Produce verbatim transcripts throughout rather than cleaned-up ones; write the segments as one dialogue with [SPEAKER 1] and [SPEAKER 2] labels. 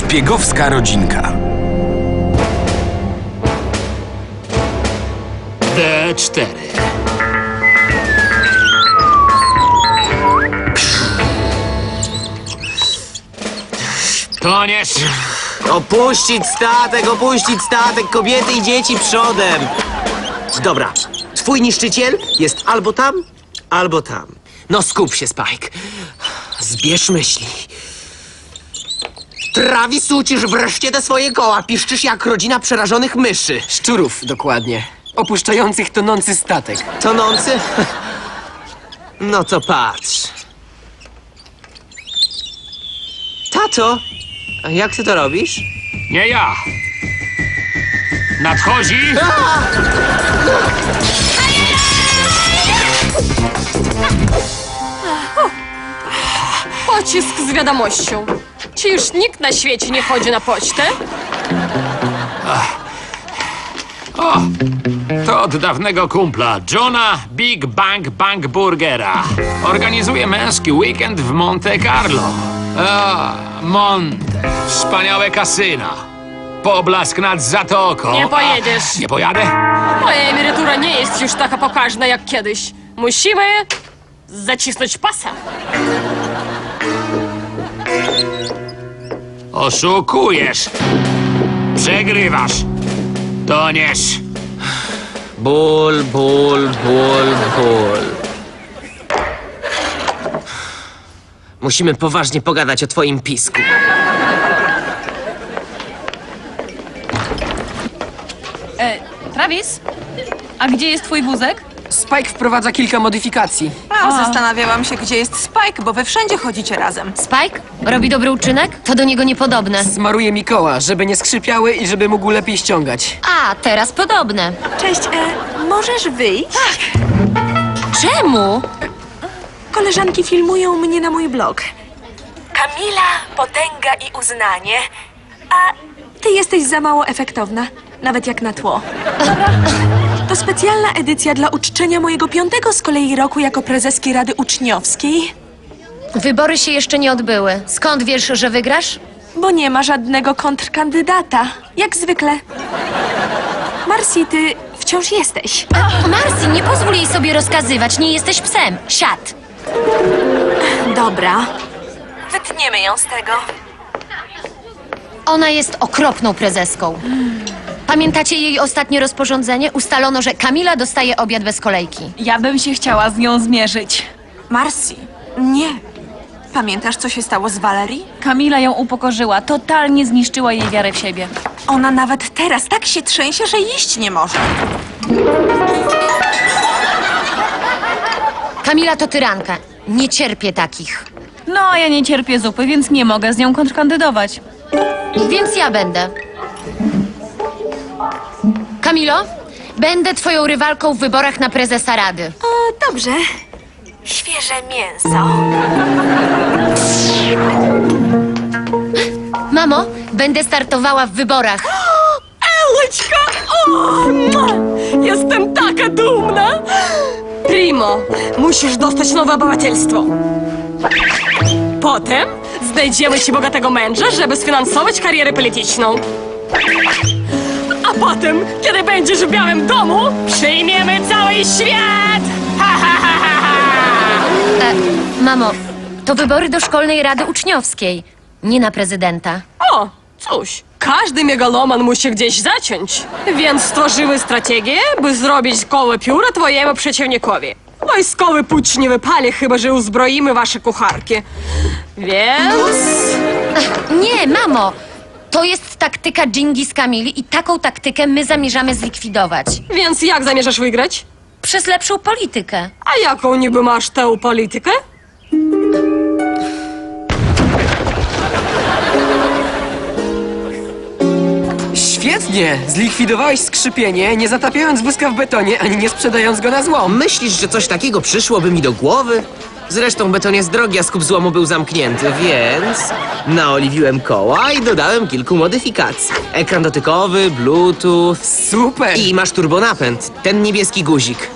[SPEAKER 1] Szpiegowska rodzinka.
[SPEAKER 2] D cztery. Toniesz!
[SPEAKER 3] Opuścić statek, opuścić statek, kobiety i dzieci przodem. Dobra, twój niszczyciel jest albo tam, albo tam. No skup się, Spike. Zbierz myśli. Travis, ucisz wreszcie te swoje koła. Piszczysz jak rodzina przerażonych myszy.
[SPEAKER 4] Szczurów, dokładnie. Opuszczających tonący statek.
[SPEAKER 3] Tonący? No to patrz. Tato, a jak ty to robisz?
[SPEAKER 2] Nie ja! Nadchodzi!
[SPEAKER 5] Pocisk z wiadomością. Czy już nikt na świecie nie chodzi na pocztę?
[SPEAKER 2] O! To od dawnego kumpla, Johna Big Bang Bang Burgera. Organizuje męski weekend w Monte Carlo. A, Monte. Wspaniałe kasyno. Poblask nad zatoką.
[SPEAKER 5] Nie pojedziesz.
[SPEAKER 2] A, nie pojadę?
[SPEAKER 5] Moja emerytura nie jest już taka pokaźna jak kiedyś. Musimy zacisnąć pasa.
[SPEAKER 2] Oszukujesz. Przegrywasz. Toniesz.
[SPEAKER 3] Ból, ból, ból, ból. Musimy poważnie pogadać o twoim pisku.
[SPEAKER 6] E, Travis? A gdzie jest twój wózek?
[SPEAKER 4] Spike wprowadza kilka modyfikacji.
[SPEAKER 7] A, zastanawiałam się, gdzie jest Spike, bo wy wszędzie chodzicie razem.
[SPEAKER 8] Spike? Robi dobry uczynek? To do niego niepodobne.
[SPEAKER 4] Smaruje mi koła, żeby nie skrzypiały i żeby mógł lepiej ściągać.
[SPEAKER 8] A, teraz podobne.
[SPEAKER 7] Cześć, e, możesz wyjść? Tak.
[SPEAKER 8] Czemu?
[SPEAKER 7] Koleżanki filmują mnie na mój blog. Kamila, potęga i uznanie. A ty jesteś za mało efektowna, nawet jak na tło. To specjalna edycja dla uczczenia mojego piątego z kolei roku jako prezeski Rady Uczniowskiej.
[SPEAKER 8] Wybory się jeszcze nie odbyły. Skąd wiesz, że wygrasz?
[SPEAKER 7] Bo nie ma żadnego kontrkandydata, jak zwykle. Marcy, ty wciąż jesteś.
[SPEAKER 8] Marcy, nie pozwól jej sobie rozkazywać. Nie jesteś psem. Siad.
[SPEAKER 7] Dobra. Wytniemy ją z tego.
[SPEAKER 8] Ona jest okropną prezeską. Pamiętacie jej ostatnie rozporządzenie? Ustalono, że Kamila dostaje obiad bez kolejki.
[SPEAKER 6] Ja bym się chciała z nią zmierzyć.
[SPEAKER 7] Marcy, nie. Pamiętasz, co się stało z Valerie?
[SPEAKER 6] Kamila ją upokorzyła, totalnie zniszczyła jej wiarę w siebie.
[SPEAKER 7] Ona nawet teraz tak się trzęsie, że iść nie może.
[SPEAKER 8] Kamila to tyranka. Nie cierpię takich.
[SPEAKER 6] No, a ja nie cierpię zupy, więc nie mogę z nią kontrkandydować.
[SPEAKER 8] Więc ja będę. Kamilo, będę twoją rywalką w wyborach na prezesa Rady.
[SPEAKER 7] O, dobrze. Świeże mięso.
[SPEAKER 8] Mamo, będę startowała w wyborach.
[SPEAKER 5] Eleczka! O, mua! Jestem taka dumna! Primo, musisz dostać nowe obywatelstwo. Potem znajdziemy ci bogatego męża, żeby sfinansować karierę polityczną. A potem, kiedy będziesz w Białym Domu, przyjmiemy cały świat! Ha, ha, ha, ha, ha!
[SPEAKER 8] E, mamo, to wybory do Szkolnej Rady Uczniowskiej, nie na prezydenta.
[SPEAKER 5] O, cóż, każdy megaloman musi gdzieś zacząć. Więc stworzymy strategię, by zrobić koło pióra twojemu przeciwnikowi. Wojskowy pucz nie wypali, chyba że uzbroimy wasze kucharki. Więc...
[SPEAKER 8] Nie, mamo, to jest taktyka Dżingis Kamili i taką taktykę my zamierzamy zlikwidować.
[SPEAKER 5] Więc jak zamierzasz wygrać?
[SPEAKER 8] Przez lepszą politykę.
[SPEAKER 5] A jaką niby masz tę politykę?
[SPEAKER 4] Świetnie! Zlikwidowałeś skrzypienie, nie zatapiając wózka w betonie, ani nie sprzedając go na złom.
[SPEAKER 3] Myślisz, że coś takiego przyszłoby mi do głowy? Zresztą beton jest drogi, a skup złomu był zamknięty, więc naoliwiłem koła i dodałem kilku modyfikacji. Ekran dotykowy, bluetooth
[SPEAKER 4] Super!
[SPEAKER 3] i masz turbonapęd, ten niebieski guzik.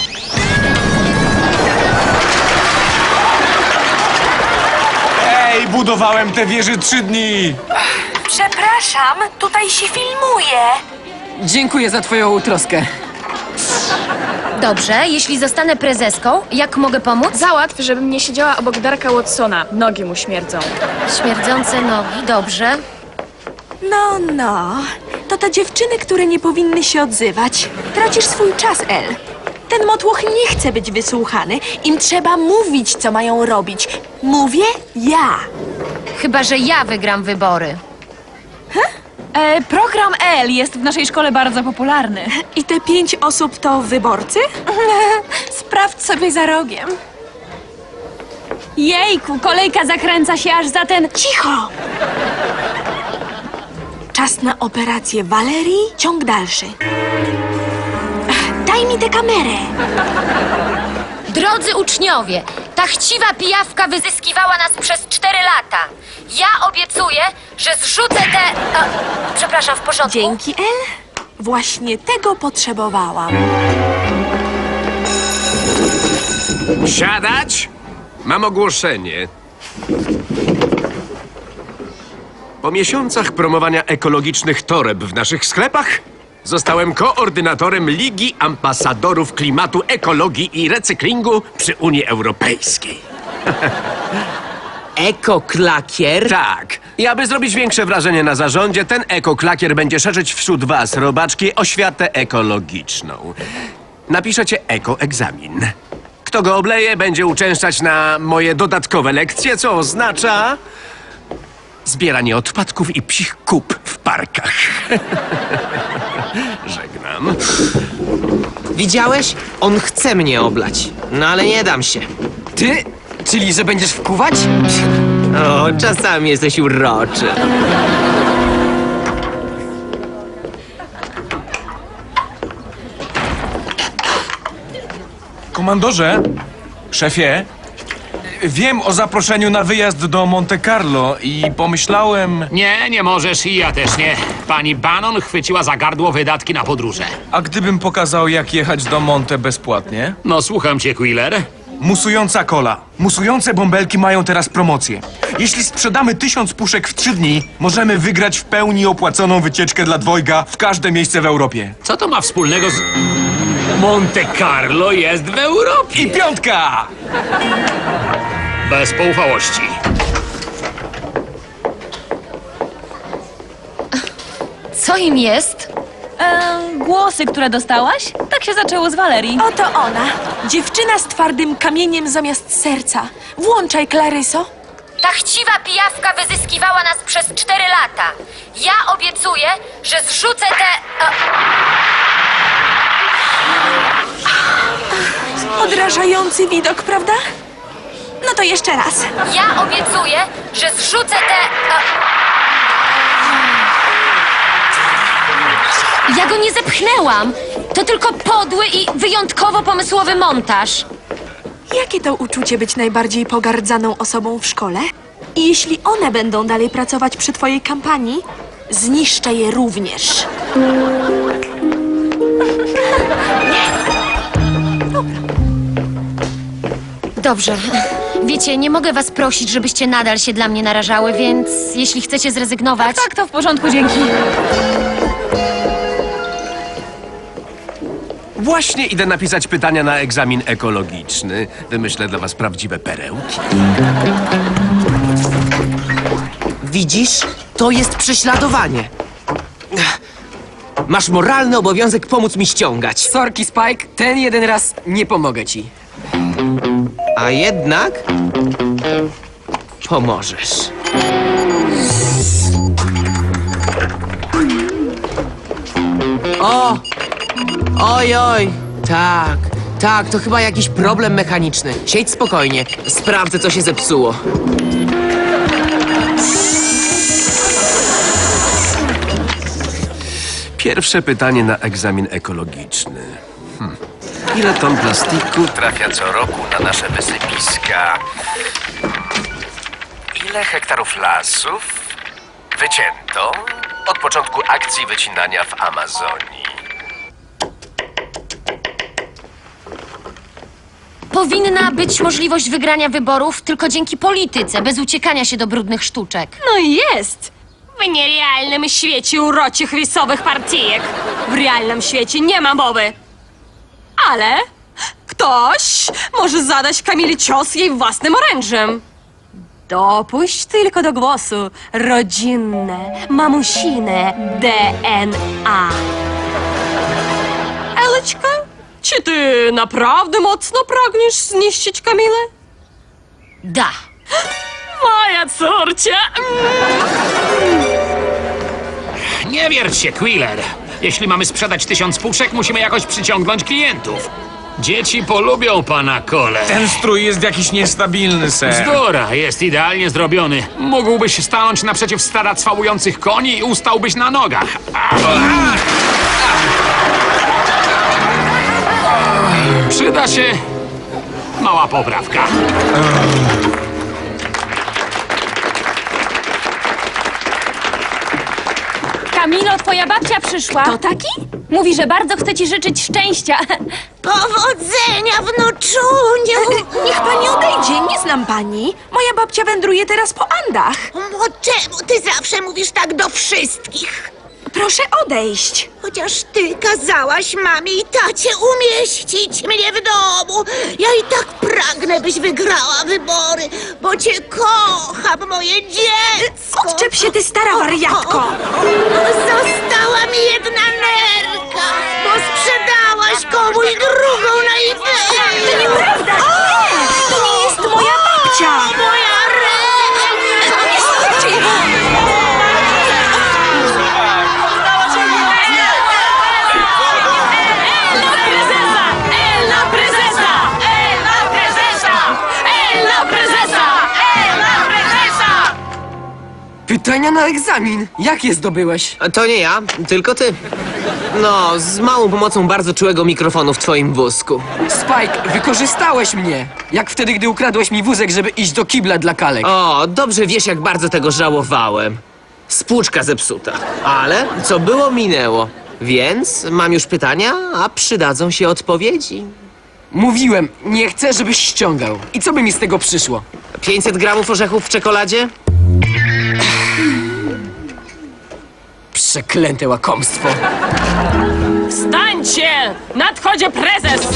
[SPEAKER 1] Ej, Budowałem te wieże trzy dni!
[SPEAKER 7] Przepraszam, tutaj się filmuje.
[SPEAKER 4] Dziękuję za twoją troskę.
[SPEAKER 8] Dobrze, jeśli zostanę prezeską, jak mogę pomóc?
[SPEAKER 9] Załatw, żebym nie siedziała obok Darka Watsona. Nogi mu śmierdzą.
[SPEAKER 8] Śmierdzące nogi, dobrze.
[SPEAKER 7] No, no. To te dziewczyny, które nie powinny się odzywać. Tracisz swój czas, El. Ten motłoch nie chce być wysłuchany. Im trzeba mówić, co mają robić. Mówię ja.
[SPEAKER 8] Chyba że ja wygram wybory.
[SPEAKER 6] E, program L jest w naszej szkole bardzo popularny.
[SPEAKER 7] I te pięć osób to wyborcy?
[SPEAKER 6] Sprawdź sobie za rogiem.
[SPEAKER 5] Jejku, kolejka zakręca się aż za ten...
[SPEAKER 7] Cicho! Czas na operację Walerii, ciąg dalszy. Ach, daj mi tę kamerę.
[SPEAKER 8] Drodzy uczniowie, ta chciwa pijawka wyzyskiwała nas przez cztery lata. Ja obiecuję, że zrzucę te... A, przepraszam, w porządku?
[SPEAKER 7] Dzięki, El. Właśnie tego potrzebowałam.
[SPEAKER 10] Siadać? Mam ogłoszenie. Po miesiącach promowania ekologicznych toreb w naszych sklepach zostałem koordynatorem Ligi Ambasadorów Klimatu, Ekologii i Recyklingu przy Unii Europejskiej.
[SPEAKER 3] Ekoklakier?
[SPEAKER 10] Tak. I aby zrobić większe wrażenie na zarządzie, ten ekoklakier będzie szerzyć wśród was, robaczki, oświatę ekologiczną. Napiszecie ekoegzamin. Kto go obleje, będzie uczęszczać na moje dodatkowe lekcje, co oznacza zbieranie odpadków i psich kup w parkach. Żegnam.
[SPEAKER 3] Widziałeś? On chce mnie oblać. No ale nie dam się.
[SPEAKER 4] Ty? Czyli, że będziesz wkuwać?
[SPEAKER 3] O, czasami jesteś uroczy.
[SPEAKER 1] Komandorze, szefie, wiem o zaproszeniu na wyjazd do Monte Carlo i pomyślałem...
[SPEAKER 2] Nie, nie możesz i ja też nie. Pani Bannon chwyciła za gardło wydatki na podróże.
[SPEAKER 1] A gdybym pokazał, jak jechać do Monte bezpłatnie?
[SPEAKER 2] No słucham cię, Quiller.
[SPEAKER 1] Musująca kola. Musujące bąbelki mają teraz promocję. Jeśli sprzedamy tysiąc puszek w trzy dni, możemy wygrać w pełni opłaconą wycieczkę dla dwojga w każde miejsce w Europie.
[SPEAKER 2] Co to ma wspólnego z... Monte Carlo jest w Europie.
[SPEAKER 1] I piątka!
[SPEAKER 2] Bez poufałości.
[SPEAKER 8] Co im jest?
[SPEAKER 6] E, głosy, które dostałaś? Tak się zaczęło z Walerii.
[SPEAKER 7] Oto ona. Dziewczyna z twardym kamieniem zamiast serca. Włączaj, Klaryso.
[SPEAKER 8] Ta chciwa pijawka wyzyskiwała nas przez cztery lata. Ja obiecuję, że zrzucę te... A...
[SPEAKER 7] Odrażający widok, prawda? No to jeszcze raz.
[SPEAKER 8] Ja obiecuję, że zrzucę te... A... Ja go nie zepchnęłam. To tylko podły i wyjątkowo pomysłowy montaż.
[SPEAKER 7] Jakie to uczucie być najbardziej pogardzaną osobą w szkole? I jeśli one będą dalej pracować przy twojej kampanii, zniszczę je również.
[SPEAKER 8] Dobrze. Wiecie, nie mogę was prosić, żebyście nadal się dla mnie narażały, więc jeśli chcecie zrezygnować...
[SPEAKER 6] Tak, to w porządku, dzięki.
[SPEAKER 10] Właśnie idę napisać pytania na egzamin ekologiczny. Wymyślę dla was prawdziwe perełki.
[SPEAKER 3] Widzisz? To jest prześladowanie. Masz moralny obowiązek pomóc mi ściągać.
[SPEAKER 4] Sorki, Spike, ten jeden raz nie pomogę ci.
[SPEAKER 3] A jednak... pomożesz. O! Oj, oj! Tak, tak, to chyba jakiś problem mechaniczny. Siedź spokojnie, sprawdzę, co się zepsuło.
[SPEAKER 10] Pierwsze pytanie na egzamin ekologiczny. Hm. Ile ton plastiku trafia co roku na nasze wysypiska? Ile hektarów lasów wycięto od początku akcji wycinania w Amazonii?
[SPEAKER 8] Powinna być możliwość wygrania wyborów tylko dzięki polityce, bez uciekania się do brudnych sztuczek.
[SPEAKER 5] No jest! W nierealnym świecie uroczych rysowych partyjek. W realnym świecie nie ma mowy. Ale ktoś może zadać Kamili cios jej własnym orężem. Dopuść tylko do głosu rodzinne, mamusine D N A. Eleczka, czy ty naprawdę mocno pragniesz zniszczyć Kamilę?
[SPEAKER 8] Da.
[SPEAKER 5] Moja córcia!
[SPEAKER 2] Nie wierć się, Quiller. Jeśli mamy sprzedać tysiąc puszek, musimy jakoś przyciągnąć klientów. Dzieci polubią pana Cole.
[SPEAKER 1] Ten strój jest jakiś niestabilny, ser.
[SPEAKER 2] Bzdura, jest idealnie zrobiony. Mógłbyś stanąć naprzeciw stada cwałujących koni i ustałbyś na nogach. Przyda się mała poprawka.
[SPEAKER 6] Kamilo, twoja babcia przyszła.
[SPEAKER 7] To taki?
[SPEAKER 6] Mówi, że bardzo chce ci życzyć szczęścia.
[SPEAKER 7] Powodzenia, wnuczuniu! Niech pani odejdzie, nie znam pani. Moja babcia wędruje teraz po Andach.
[SPEAKER 11] O, czemu ty zawsze mówisz tak do wszystkich?
[SPEAKER 7] Proszę odejść.
[SPEAKER 11] Chociaż ty kazałaś mamie i tacie umieścić mnie w domu. Ja i tak pragnę, byś wygrała wybory, bo cię kocham, moje dziecko.
[SPEAKER 7] Odczep się, ty stara wariatko.
[SPEAKER 11] Została mi jedna nerka, bo sprzedałaś komuś drugą na eBayu.
[SPEAKER 7] To nieprawda! Nie! To nie jest moja babcia!
[SPEAKER 11] Moja ręka!
[SPEAKER 7] Nie słuchajcie!
[SPEAKER 4] Pytania na egzamin. Jak je zdobyłeś?
[SPEAKER 3] A to nie ja, tylko ty. No, z małą pomocą bardzo czułego mikrofonu w twoim wózku.
[SPEAKER 4] Spike, wykorzystałeś mnie. Jak wtedy, gdy ukradłeś mi wózek, żeby iść do kibla dla kalek.
[SPEAKER 3] O, dobrze wiesz, jak bardzo tego żałowałem. Spłuczka zepsuta. Ale co było, minęło. Więc mam już pytania, a przydadzą się odpowiedzi.
[SPEAKER 4] Mówiłem, nie chcę, żebyś ściągał. I co by mi z tego przyszło?
[SPEAKER 3] pięćset gramów orzechów w czekoladzie?
[SPEAKER 4] Przeklęte łakomstwo.
[SPEAKER 5] Wstańcie! Nadchodzi prezes!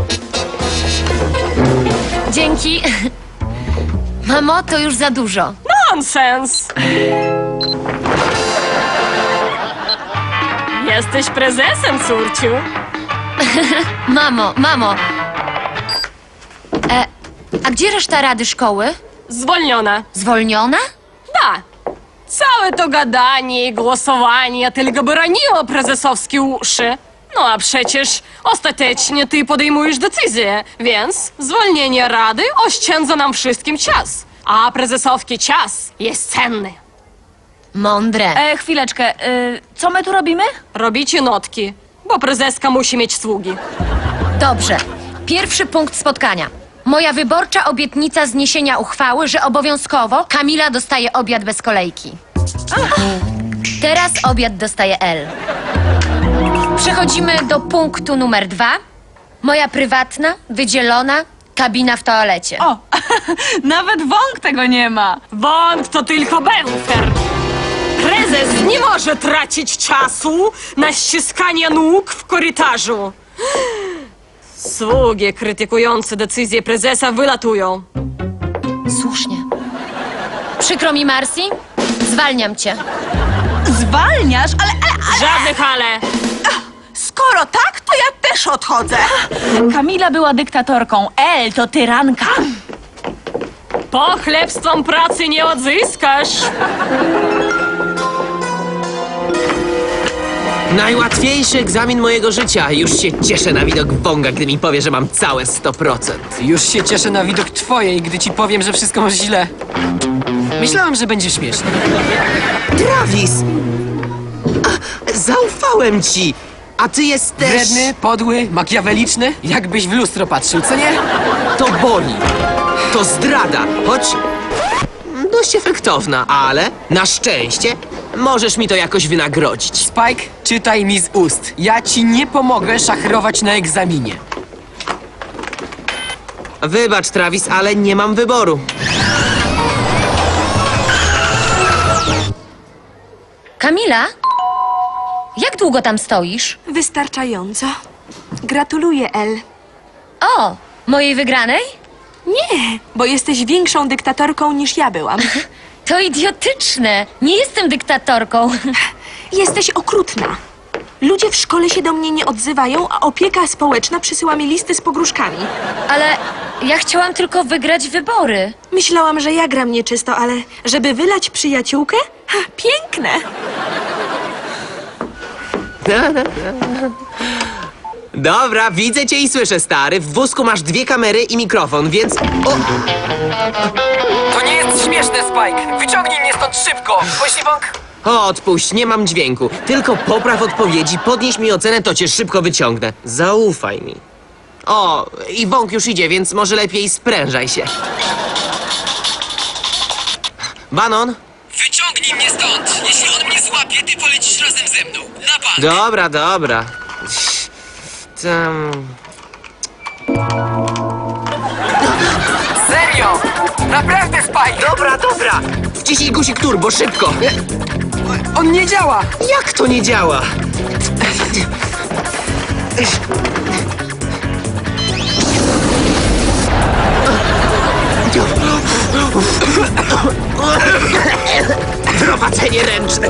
[SPEAKER 8] Dzięki. Mamo, to już za dużo.
[SPEAKER 5] Nonsens! Jesteś prezesem, córciu.
[SPEAKER 8] Mamo, mamo. E, a gdzie reszta rady szkoły?
[SPEAKER 5] Zwolniona.
[SPEAKER 8] Zwolniona?
[SPEAKER 5] Da. Całe to gadanie i głosowanie tylko broniło prezesowskie uszy. No a przecież ostatecznie ty podejmujesz decyzję, więc zwolnienie rady oszczędza nam wszystkim czas. A prezesowski czas jest cenny.
[SPEAKER 8] Mądre.
[SPEAKER 6] E, chwileczkę, y, co my tu robimy?
[SPEAKER 5] Robicie notki, bo prezeska musi mieć sługi.
[SPEAKER 8] Dobrze. Pierwszy punkt spotkania. Moja wyborcza obietnica zniesienia uchwały, że obowiązkowo Kamila dostaje obiad bez kolejki. Teraz obiad dostaje L. Przechodzimy do punktu numer dwa. Moja prywatna, wydzielona kabina w toalecie.
[SPEAKER 6] O, nawet wąk tego nie ma.
[SPEAKER 5] Wąt to tylko bęfer. Prezes nie może tracić czasu na ściskanie nóg w korytarzu. Sługi krytykujące decyzję prezesa wylatują.
[SPEAKER 8] Słusznie. Przykro mi, Marcy. Zwalniam cię.
[SPEAKER 11] Zwalniasz? Ale, ale,
[SPEAKER 5] Żadnych ale.
[SPEAKER 11] skoro tak, to ja też odchodzę.
[SPEAKER 6] Kamila była dyktatorką, El to tyranka.
[SPEAKER 5] Pochlebstwem pracy nie odzyskasz.
[SPEAKER 3] Najłatwiejszy egzamin mojego życia. Już się cieszę na widok Wonga, gdy mi powie, że mam całe sto procent.
[SPEAKER 4] Już się cieszę na widok twojej, gdy ci powiem, że wszystko masz źle. Myślałem, że będzie śmieszne.
[SPEAKER 3] Travis! A, zaufałem ci! A ty jesteś...
[SPEAKER 4] Wredny, podły, makiaweliczny? Jakbyś w lustro patrzył, co nie?
[SPEAKER 3] To boli. To zdrada, choć dość efektowna, ale na szczęście możesz mi to jakoś wynagrodzić.
[SPEAKER 4] Spike, czytaj mi z ust. Ja ci nie pomogę szachrować na egzaminie.
[SPEAKER 3] Wybacz, Travis, ale nie mam wyboru.
[SPEAKER 8] Kamila? Jak długo tam stoisz?
[SPEAKER 7] Wystarczająco. Gratuluję, El.
[SPEAKER 8] O, mojej wygranej?
[SPEAKER 7] Nie, bo jesteś większą dyktatorką niż ja byłam.
[SPEAKER 8] To idiotyczne. Nie jestem dyktatorką.
[SPEAKER 7] Jesteś okrutna. Ludzie w szkole się do mnie nie odzywają, a opieka społeczna przysyła mi listy z pogróżkami.
[SPEAKER 8] Ale ja chciałam tylko wygrać wybory.
[SPEAKER 7] Myślałam, że ja gram nieczysto, ale żeby wylać przyjaciółkę? Ha, piękne!
[SPEAKER 3] Dobra, widzę cię i słyszę, stary. W wózku masz dwie kamery i mikrofon, więc... O!
[SPEAKER 4] To nie jest śmieszne, Spike. Wyciągnij mnie stąd szybko. Pośliwok?
[SPEAKER 3] O, odpuść, nie mam dźwięku. Tylko popraw odpowiedzi, podnieś mi ocenę, to cię szybko wyciągnę. Zaufaj mi. O, i wąk już idzie, więc może lepiej sprężaj się. Banon?
[SPEAKER 4] Wyciągnij mnie stąd. Jeśli on mnie złapie, ty polecisz razem ze mną. Na bank.
[SPEAKER 3] Dobra, dobra. Tam...
[SPEAKER 4] Serio? Naprawdę, Spike?
[SPEAKER 3] Dobra, dobra! Wciśnij guzik turbo, szybko!
[SPEAKER 4] On nie działa.
[SPEAKER 3] Jak to nie działa? Prowadzenie ręczne.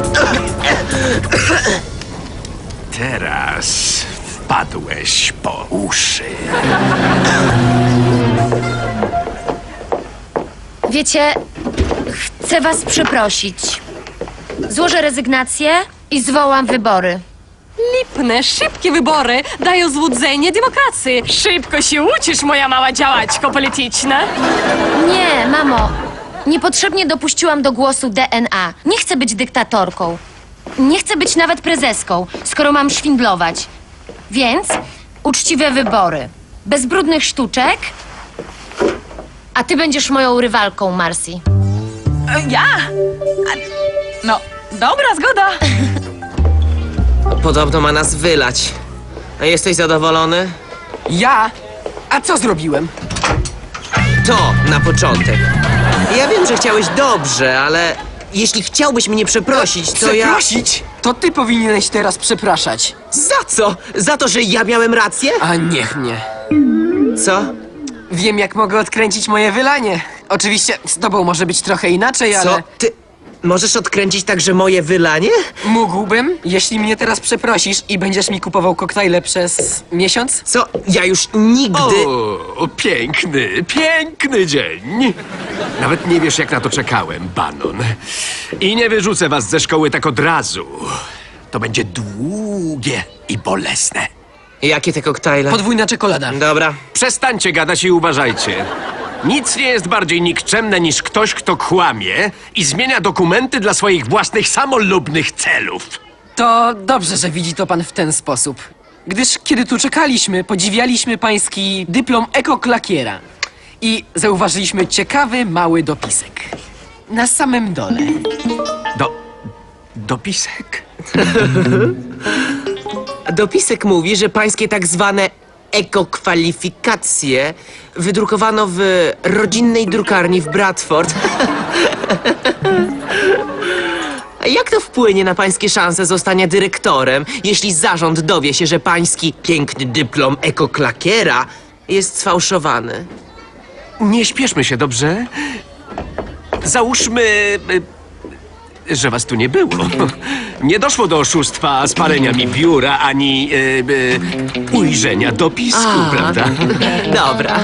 [SPEAKER 10] Teraz wpadłeś po uszy.
[SPEAKER 8] Wiecie, chcę was przeprosić. Złożę rezygnację i zwołam wybory.
[SPEAKER 5] Lipne, szybkie wybory dają złudzenie demokracji. Szybko się uczysz, moja mała działaczko polityczna.
[SPEAKER 8] Nie, mamo. Niepotrzebnie dopuściłam do głosu D N A. Nie chcę być dyktatorką. Nie chcę być nawet prezeską, skoro mam szwindlować. Więc uczciwe wybory. Bez brudnych sztuczek. A ty będziesz moją rywalką, Marcy.
[SPEAKER 6] E, Ja? A, no, dobra, zgoda.
[SPEAKER 3] Podobno ma nas wylać. A jesteś zadowolony?
[SPEAKER 4] Ja? A co zrobiłem?
[SPEAKER 3] To na początek. Ja wiem, że chciałeś dobrze, ale jeśli chciałbyś mnie przeprosić, to ja...
[SPEAKER 4] Przeprosić? To ty powinieneś teraz przepraszać.
[SPEAKER 3] Za co? Za to, że ja miałem rację?
[SPEAKER 4] A niech mnie.
[SPEAKER 3] Co?
[SPEAKER 4] Wiem, jak mogę odkręcić moje wylanie. Oczywiście z tobą może być trochę inaczej, ale...
[SPEAKER 3] Co? Ty możesz odkręcić także moje wylanie?
[SPEAKER 4] Mógłbym, jeśli mnie teraz przeprosisz i będziesz mi kupował koktajle przez miesiąc?
[SPEAKER 3] Co? Ja już nigdy...
[SPEAKER 10] O, piękny, piękny dzień. Nawet nie wiesz, jak na to czekałem, Bannon. I nie wyrzucę was ze szkoły tak od razu. To będzie długie i bolesne.
[SPEAKER 3] Jakie te koktajle?
[SPEAKER 4] Podwójna czekolada.
[SPEAKER 3] Dobra.
[SPEAKER 10] Przestańcie gadać i uważajcie. Nic nie jest bardziej nikczemne niż ktoś, kto kłamie i zmienia dokumenty dla swoich własnych samolubnych celów.
[SPEAKER 4] To dobrze, że widzi to pan w ten sposób. Gdyż kiedy tu czekaliśmy, podziwialiśmy pański dyplom ekoklakiera. I zauważyliśmy ciekawy, mały dopisek. Na samym dole.
[SPEAKER 10] Do... dopisek?
[SPEAKER 3] Dopisek mówi, że pańskie tak zwane ekokwalifikacje wydrukowano w rodzinnej drukarni w Bradford. A jak to wpłynie na pańskie szanse zostania dyrektorem, jeśli zarząd dowie się, że pański piękny dyplom ekoklakiera jest sfałszowany?
[SPEAKER 10] Nie śpieszmy się, dobrze? Załóżmy, y, że was tu nie było. Nie doszło do oszustwa, spalenia mi biura, ani y, y, ujrzenia dopisku,
[SPEAKER 3] A,
[SPEAKER 10] prawda?
[SPEAKER 3] Dobra.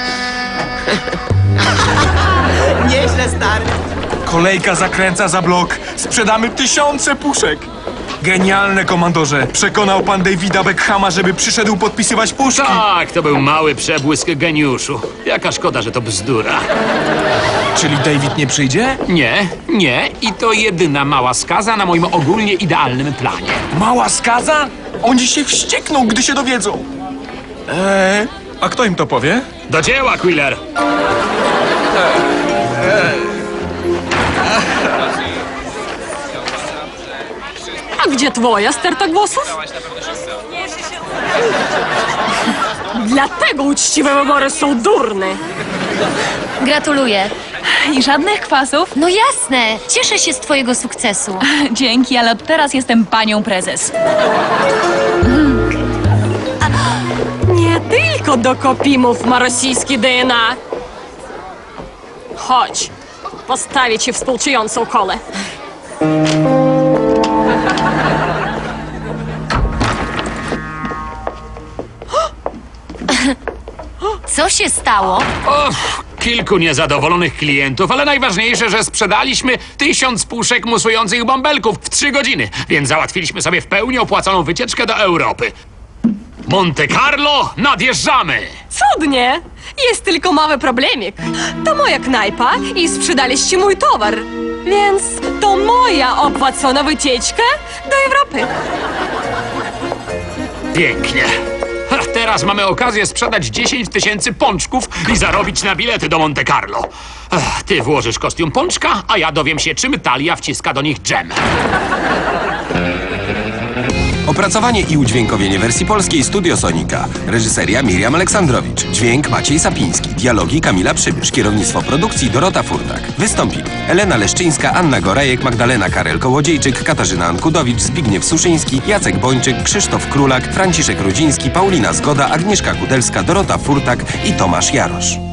[SPEAKER 3] Nieźle, stary.
[SPEAKER 1] Kolejka zakręca za blok. Sprzedamy tysiące puszek. Genialne, komandorze. Przekonał pan Davida Beckhama, żeby przyszedł podpisywać puszki.
[SPEAKER 2] Tak, to był mały przebłysk geniuszu. Jaka szkoda, że to bzdura.
[SPEAKER 1] Czyli David nie przyjdzie?
[SPEAKER 2] Nie, nie i to jedyna mała skaza na moim ogólnie idealnym planie.
[SPEAKER 1] Mała skaza? Oni się wściekną, gdy się dowiedzą. Eee, a kto im to powie?
[SPEAKER 2] Do dzieła, Quiller!
[SPEAKER 5] A gdzie twoja sterta głosów? Dlatego uczciwe wybory są durne.
[SPEAKER 8] Gratuluję.
[SPEAKER 6] I żadnych kwasów?
[SPEAKER 8] No jasne, cieszę się z twojego sukcesu.
[SPEAKER 6] Dzięki, ale od teraz jestem panią prezes.
[SPEAKER 5] Nie tylko do Kopimów ma rosyjskie D N A. Chodź, postawię ci współczującą kolę.
[SPEAKER 8] Co się stało?
[SPEAKER 2] Och, kilku niezadowolonych klientów, ale najważniejsze, że sprzedaliśmy tysiąc puszek musujących bąbelków w trzy godziny, więc załatwiliśmy sobie w pełni opłaconą wycieczkę do Europy. Monte Carlo, nadjeżdżamy!
[SPEAKER 5] Cudnie! Jest tylko mały problemik. To moja knajpa i sprzedaliście mój towar. Więc to moja opłacona wycieczka do Europy.
[SPEAKER 2] Pięknie. Ha, teraz mamy okazję sprzedać dziesięć tysięcy pączków i zarobić na bilety do Monte Carlo. Ech, ty włożysz kostium pączka, a ja dowiem się, czym Talia wciska do nich dżem.
[SPEAKER 12] Opracowanie i udźwiękowienie wersji polskiej Studio Sonika. Reżyseria Miriam Aleksandrowicz. Dźwięk Maciej Sapiński. Dialogi Kamila Przybysz. Kierownictwo produkcji Dorota Furtak. Wystąpili Elena Leszczyńska, Anna Gorajek, Magdalena Karel-Kołodziejczyk, Katarzyna Ankudowicz, Zbigniew Suszyński, Jacek Bończyk, Krzysztof Królak, Franciszek Rudziński, Paulina Zgoda, Agnieszka Kudelska, Dorota Furtak i Tomasz Jarosz.